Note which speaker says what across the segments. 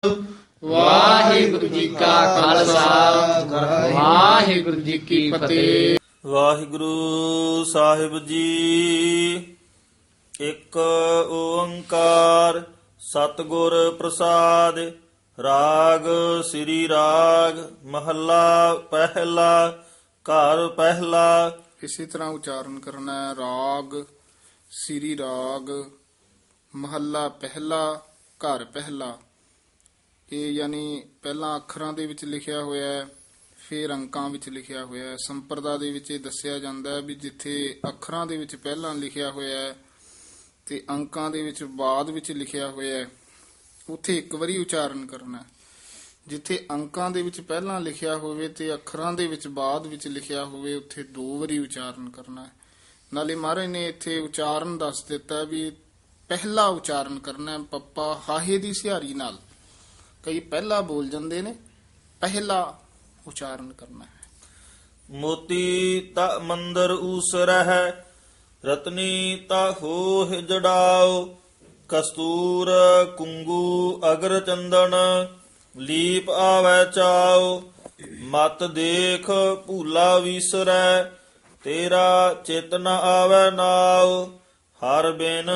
Speaker 1: ਵਾਹਿਗੁਰੂ ਜੀ ਕਾ ਖਾਲਸਾ ਵਾਹਿਗੁਰੂ ਜੀ ਕੀ ਫਤਿਹ।
Speaker 2: ਵਾਹਿਗੁਰੂ ਸਾਹਿਬ ਜੀ। ਇੱਕ ਓੰਕਾਰ ਸਤਿਗੁਰ ਪ੍ਰਸਾਦ। ਰਾਗ ਸ੍ਰੀ ਰਾਗ ਮਹੱਲਾ ਪਹਿਲਾ। ਘਰ ਪਹਿਲਾ।
Speaker 3: ਇਸੇ ਤਰ੍ਹਾਂ ਉਚਾਰਨ ਕਰਨਾ ਹੈ। ਰਾਗ ਸ੍ਰੀ ਰਾਗ ਮਹੱਲਾ ਪਹਿਲਾ ਘਰ ਪਹਿਲਾ। ਇਹ ਯਾਨੀ ਪਹਿਲਾਂ ਅੱਖਰਾਂ ਦੇ ਵਿੱਚ ਲਿਖਿਆ ਹੋਇਆ ਹੈ, ਫਿਰ ਅੰਕਾਂ ਵਿੱਚ ਲਿਖਿਆ ਹੋਇਆ ਹੈ। ਸੰਪਰਦਾ ਦੇ ਵਿੱਚ ਇਹ ਦੱਸਿਆ ਜਾਂਦਾ ਹੈ ਵੀ ਜਿੱਥੇ ਅੱਖਰਾਂ ਦੇ ਵਿੱਚ ਪਹਿਲਾਂ ਲਿਖਿਆ ਹੋਇਆ ਹੈ ਤੇ ਅੰਕਾਂ ਦੇ ਵਿੱਚ ਬਾਅਦ ਵਿੱਚ ਲਿਖਿਆ ਹੋਇਆ ਹੈ, ਉੱਥੇ ਇੱਕ ਵਾਰੀ ਉਚਾਰਨ ਕਰਨਾ ਹੈ। ਜਿੱਥੇ ਅੰਕਾਂ ਦੇ ਵਿੱਚ ਪਹਿਲਾਂ ਲਿਖਿਆ ਹੋਵੇ ਤੇ ਅੱਖਰਾਂ ਦੇ ਵਿੱਚ ਬਾਅਦ ਵਿੱਚ ਲਿਖਿਆ ਹੋਵੇ, ਉੱਥੇ 2 ਵਾਰੀ ਉਚਾਰਨ ਕਰਨਾ ਹੈ। ਨਾਲੇ ਮਹਾਰਾਜ ਨੇ ਇੱਥੇ ਉਚਾਰਨ ਦੱਸ ਦਿੱਤਾ ਵੀ ਪਹਿਲਾ ਉਚਾਰਨ ਕਰਨਾ ਹੈ, ਪੱਪਾ ਹਾਹੇ ਦੀ ਸਿਹਾਰੀ ਨਾਲ। ਕਈ ਪਹਿਲਾ ਬੋਲ ਜਾਂਦੇ ਨੇ, ਪਹਿਲਾ ਉਚਾਰਨ ਕਰਨਾ ਹੈ।
Speaker 2: ਮੋਤੀ ਤਾ ਮੰਦਰ ਊਸਰਹਿ ਰਤਨੀ ਤਾ ਹੋਹਿ ਜੜਾਓ। ਕਸਤੂਰ ਕੁੰਗੂ ਅਗਰ ਚੰਦਨ ਲੀਪ ਆਵੈ ਚਾਓ। ਮਤ ਦੇਖ ਭੂਲਾ ਵੀਸਰੈ ਤੇਰਾ ਚਿਤ ਨ ਆਵੈ ਨਾਉ। ਹਰ ਬਿਨ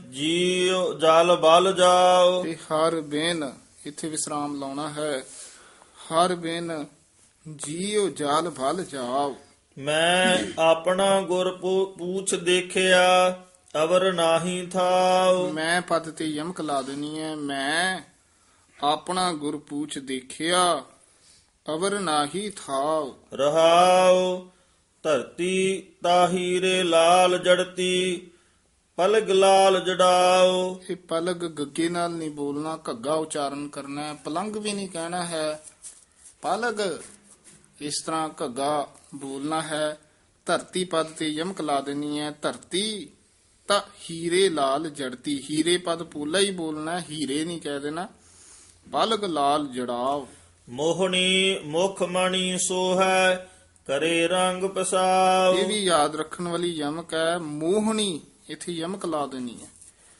Speaker 2: ਜੀਉ ਜਲ ਬਲ ਜਾਓ।
Speaker 3: ਤੇ ਹਰ ਬਿਨ ਇੱਥੇ ਵਿਸਰਾਮ ਲਾਉਣਾ ਹੈ। ਹਰ ਬਿਨ ਜੀਉ ਜਾਲ ਭਲ ਜਾਓ।
Speaker 2: ਮੈਂ ਆਪਣਾ ਗੁਰ ਪੂਛ ਦੇਖਿਆ ਅਵਰ ਨਾਹੀ ਥਾਉ।
Speaker 3: ਮੈਂ ਪਦ ਤੇ ਯਮਕ ਲਾ ਦੇਣੀ ਹੈ। ਮੈਂ ਆਪਣਾ ਗੁਰ ਪੂਛ ਦੇਖਿਆ ਅਵਰ ਨਾਹੀ ਥਾਉ।
Speaker 2: ਰਹਾਉ ਧਰਤੀ ਤਾਹੀਰੇ ਲਾਲ ਜੜਤੀ ਪਲਗ ਲਾਲ ਜੜਾਓ।
Speaker 3: ਇਹ ਪਲਗ ਗੱਗੇ ਨਾਲ ਨਹੀਂ ਬੋਲਣਾ, ਘੱਗਾ ਉਚਾਰਨ ਕਰਨਾ ਹੈ। ਪਲੰਗ ਵੀ ਨਹੀਂ ਕਹਿਣਾ ਹੈ, ਪਲਗ ਇਸ ਤਰ੍ਹਾਂ ਘੱਗਾ ਬੋਲਣਾ ਹੈ। ਧਰਤੀ ਪਦ ਤੇ ਯਮਕ ਲਾ ਦੇਣੀ ਹੈ। ਧਰਤੀ ਤਾਂ ਹੀਰੇ ਲਾਲ ਜੜਤੀ। ਹੀਰੇ ਪਦ ਪੂਲਾ ਹੀ ਬੋਲਣਾ ਹੈ, ਹੀਰੇ ਨਹੀਂ ਕਹਿ ਦੇਣਾ। ਪਲਗ ਲਾਲ ਜੜਾਓ।
Speaker 2: ਮੋਹਣੀ ਮੁਖ ਮਣੀ ਸੋਹੈ ਕਰੇ ਰੰਗ ਪਸਾਉ।
Speaker 3: ਇਹ ਵੀ ਯਾਦ ਰੱਖਣ ਵਾਲੀ ਯਮਕ ਹੈ। ਮੋਹਣੀ ਇੱਥੇ ਯਮਕ ਲਾ ਦੇਣੀ ਹੈ।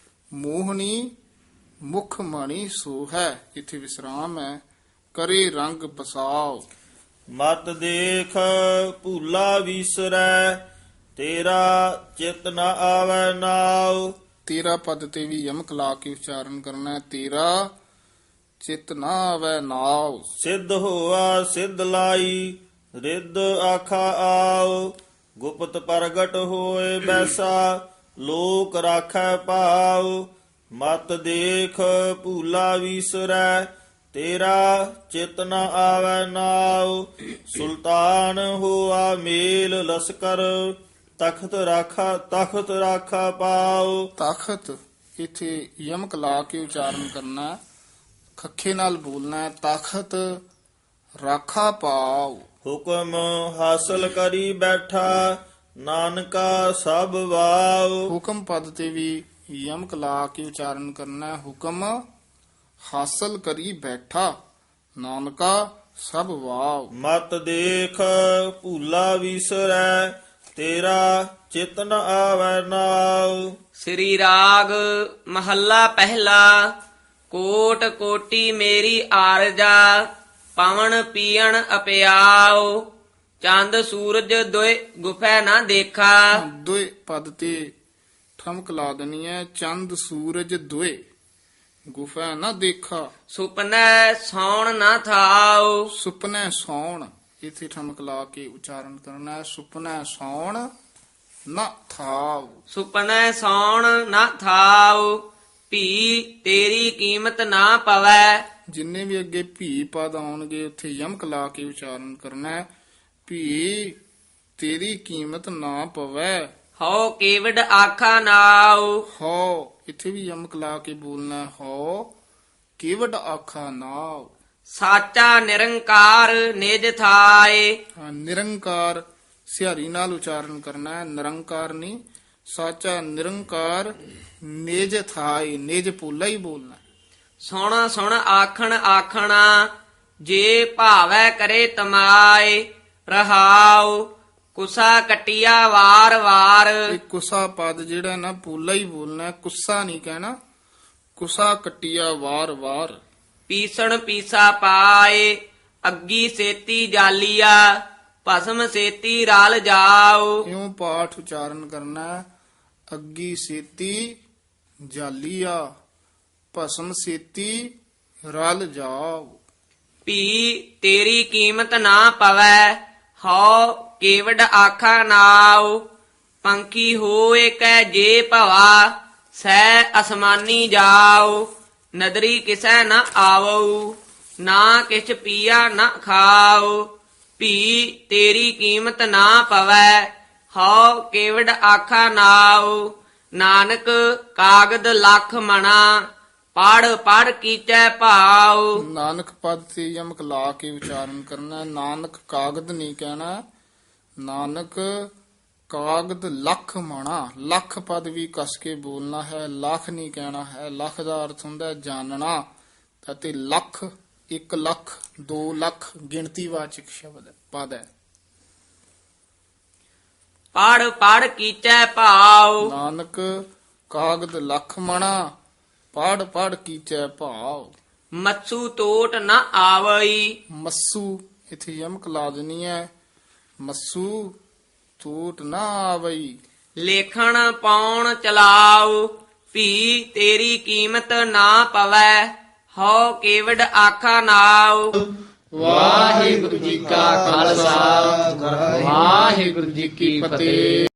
Speaker 3: ਮੋਹਣੀ ਮੁਖ ਮਣੀ ਸੋਹੈ, ਇੱਥੇ ਵਿਸਰਾਮ ਹੈ। ਕਰੇ ਰੰਗ ਪਸਾਓ।
Speaker 2: ਮਤ ਦੇਖ ਭੂਲਾ ਵੀਸਰੈ ਤੇਰਾ ਚਿਤ ਨ ਆਵੈ ਨਾਉ।
Speaker 3: ਤੇਰਾ ਪਦ ਤੇ ਵੀ ਯਮਕ ਲਾ ਕੇ ਉਚਾਰਨ ਕਰਨਾ ਹੈ। ਤੇਰਾ ਚਿਤ ਨਾ ਆਵੈ ਨਾਉ।
Speaker 2: ਸਿੱਧ ਹੋਆ ਸਿੱਧ ਲਾਈ ਰਿੱਧ ਆਖਾ ਆਉ। ਗੁਪਤ ਪ੍ਰਗਟ ਹੋਏ ਬੈਸਾ ਲੋਕ ਰਾਖੈ ਪਾਉ। ਮਤ ਦੇਖ ਭੂਲਾ ਵੀਸਰੈ ਤੇਰਾ ਚਿਤ ਨ ਆਵੈ ਨਾਉ। ਸੁਲਤਾਨ ਹੋਆ ਮੇਲ ਲਸਕਰ ਤਖਤ ਰਾਖਾ ਪਾਉ।
Speaker 3: ਤਖਤ ਇੱਥੇ ਯਮਕ ਲਾ ਕੇ ਉਚਾਰਨ ਕਰਨਾ ਹੈ। ਖੱਖੇ ਨਾਲ ਬੋਲਣਾ ਹੈ। ਤਖਤ ਰਾਖਾ ਪਾਉ।
Speaker 2: ਹੁਕਮ ਹਾਸਲ ਕਰੀ ਬੈਠਾ ਨਾਨਕਾ ਸਭ ਵਾਉ।
Speaker 3: ਹੁਕਮ ਪਦ ਤੇ ਵੀ ਯਮਕ ਲਾ ਕੇ ਉਚਾਰਨ ਕਰਨਾ ਹੈ। ਹੁਕਮ ਹਾਸਲ ਕਰੀ ਬੈਠਾ ਨਾਨਕਾ ਸਭ ਵਾਵ।
Speaker 2: ਮਤ ਦੇਖ ਭੂਲਾ ਵੀਸਰੈ ਤੇਰਾ ਚਿਤ ਨ ਆਵੈ ਨਾਉ।
Speaker 1: ਸ੍ਰੀ ਰਾਗ ਮਹੱਲਾ ਪਹਿਲਾ। ਕੋਟ ਕੋਟੀ ਮੇਰੀ ਆਰਜਾ ਪਵਨ ਪੀਣ ਅਪਿਆਉ। ਚੰਦ ਸੂਰਜ ਦੋਇ ਗੁਫੈ ਨਾ ਦੇਖਾ।
Speaker 3: ਦੋਏ ਪਦ ਤੇ ਠਮਕ ਲਾ ਦੇਣੀ ਹੈ। ਚੰਦ ਸੂਰਜ ਦੋਏ ਗੁਫਾ ਨਾ ਦੇਖਾ।
Speaker 1: ਸੁਪਨੈ ਸੌਣ ਨਾ ਥਾਉ।
Speaker 3: ਸੁਪਨੈ ਸੌਣ ਇੱਥੇ ਠਮਕ ਲਾ ਕੇ ਉਚਾਰਨ ਕਰਨਾ ਹੈ। ਸੁਪਨੈ ਸੌਣ ਨਾ ਥਾਵ।
Speaker 1: ਸੁਪਨੈ ਸੌਣ ਨਾ ਥਾਉ। ਭੀ ਤੇਰੀ ਕੀਮਤ ਨਾ ਪਵੈ।
Speaker 3: ਜਿੰਨੇ ਵੀ ਅੱਗੇ ਭੀ ਪਦ ਆਉਣਗੇ ਉੱਥੇ ਯਮਕ ਲਾ ਕੇ ਉਚਾਰਨ ਕਰਨਾ ਹੈ। ਭੀ ਤੇਰੀ ਕੀਮਤ ਨਾ ਪਵੈ।
Speaker 1: ਹਉ ਕੇਵਡ ਆਖਾ ਨਾਉ।
Speaker 3: ਹੋ ਇੱਥੇ ਵੀ ਯਮਕ ਲਾ ਕੇ ਬੋਲਣਾ ਹੈ। ਹੋ ਕੇਵਡ ਆਖਾ ਨਾਉ।
Speaker 1: ਸਾਚਾ ਨਿਰੰਕਾਰ ਨਿਜ ਥਾਏ।
Speaker 3: ਨਿਰੰਕਾਰ ਸਿਹਾਰੀ ਨਾਲ ਉਚਾਰਨ ਕਰਨਾ ਹੈ। ਨਿਰੰਕਾਰ ਨਹੀਂ, ਸਾਚਾ ਨਿਰੰਕਾਰ ਨਿਜ ਥਾਈ। ਨਿਜ ਪੋਲਾ ਹੀ ਬੋਲਣਾ।
Speaker 1: ਸੁਣ ਸੁਣ ਆਖਣ ਆਖਣਾ ਜੇ ਭਾਵੈ ਕਰੇ ਤਮਾਏ। ਰਹਾਉ ਕੁਸਾ ਕਟਿਆ ਵਾਰ ਵਾਰ।
Speaker 3: ਇਹ ਕੁਸਾ ਪਦ ਜਿਹੜਾ ਨਾ ਪੋਲਾ ਹੀ ਬੋਲਣਾ, ਕੁੱਸਾ ਨਹੀਂ ਕਹਿਣਾ। ਕੁਸਾ ਕਟਿਆ ਵਾਰ ਵਾਰ।
Speaker 1: ਪੀਸਣ ਪੀਸਾ ਪਾਏ ਅੱਗੀ ਸੇਤੀ ਜਾਲੀਆ ਭਸਮ ਸੇਤੀ ਰਲ ਜਾਓ।
Speaker 3: ਇਉਂ ਪਾਠ ਉਚਾਰਨ ਕਰਨਾ ਹੈ। ਅੱਗੀ ਸੇਤੀ ਜਾਲੀਆ ਭਸਮ ਸੇਤੀ ਰਲ ਜਾਓ।
Speaker 1: ਭੀ ਤੇਰੀ ਕੀਮਤ ਨਾ ਪਵੈ ਹਉ ਕੇਵਡ ਆਖਾ ਨਾਉ। ਪੰਖੀ ਹੋਏ ਕੈ ਜੇ ਭਵਾ ਸੈ ਅਸਮਾਨੀ ਜਾਓ। ਨਦਰੀ ਕਿਸੈ ਨ ਆਵਉ ਨਾ ਕਿਛ ਪੀਆ ਨ ਖਾਓ। ਭੀ ਤੇਰੀ ਕੀਮਤ ਨਾ ਪਵੈ ਹਉ ਕੇਵਡ ਆਖਾ ਨਾਉ। ਨਾਨਕ ਕਾਗਦ ਲੱਖ ਮਣਾ ਪੜ ਪੜ ਕੀਚੈ ਭਾਉ।
Speaker 3: ਨਾਨਕ ਪਦ ਤੇ ਯਮਕ ਲਾ ਕੇ ਉਚਾਰਨ ਕਰਨਾ ਹੈ। ਨਾਨਕ ਕਾਗਦ ਨਹੀਂ ਕਹਿਣਾ। ਨਾਨਕ ਕਾਗਦ ਲੱਖ ਮਾਣਾ। ਲੱਖ ਪਦ ਵੀ ਕਸ ਕੇ ਬੋਲਣਾ ਹੈ। ਲੱਖ ਨਹੀਂ ਕਹਿਣਾ ਹੈ। ਲੱਖ ਦਾ ਅਰਥ ਹੁੰਦਾ ਹੈ ਜਾਣਨਾ ਅਤੇ ਲੱਖ 1 ਲੱਖ 2 ਲੱਖ ਗਿਣਤੀਵਾਚਕ ਸ਼ਬਦ ਹੈ, ਪਦ ਹੈ।
Speaker 1: ਪੜ ਪੜ ਕੀਚੈ ਭਾਉ।
Speaker 3: ਨਾਨਕ ਕਾਗਦ ਲੱਖ ਮਣਾ ਪੜ ਪੜ ਕੀਚੈ ਭਾਵ।
Speaker 1: ਮੱਛੂ ਤੋਟ ਨ ਆਵਈ।
Speaker 3: ਮੱਸੂ ਇਥੇ ਯਮਕ ਲਾ ਦੇਣੀ ਹੈ। ਮੱਸੂ ਟੂਟ ਨਾ ਆਵਈ।
Speaker 1: ਲੇਖਣ ਪਾਉਣ ਚਲਾਉ ਭੀ ਤੇਰੀ ਕੀਮਤ ਨਾ ਪਵੈ ਹਉ ਕੇਵਡ ਆਖਾ ਨਾਉ।
Speaker 4: ਵਾਹਿਗੁਰੂ ਜੀ ਕਾ ਖਾਲਸਾ ਵਾਹਿਗੁਰੂ ਜੀ ਕੀ ਫਤਿਹ।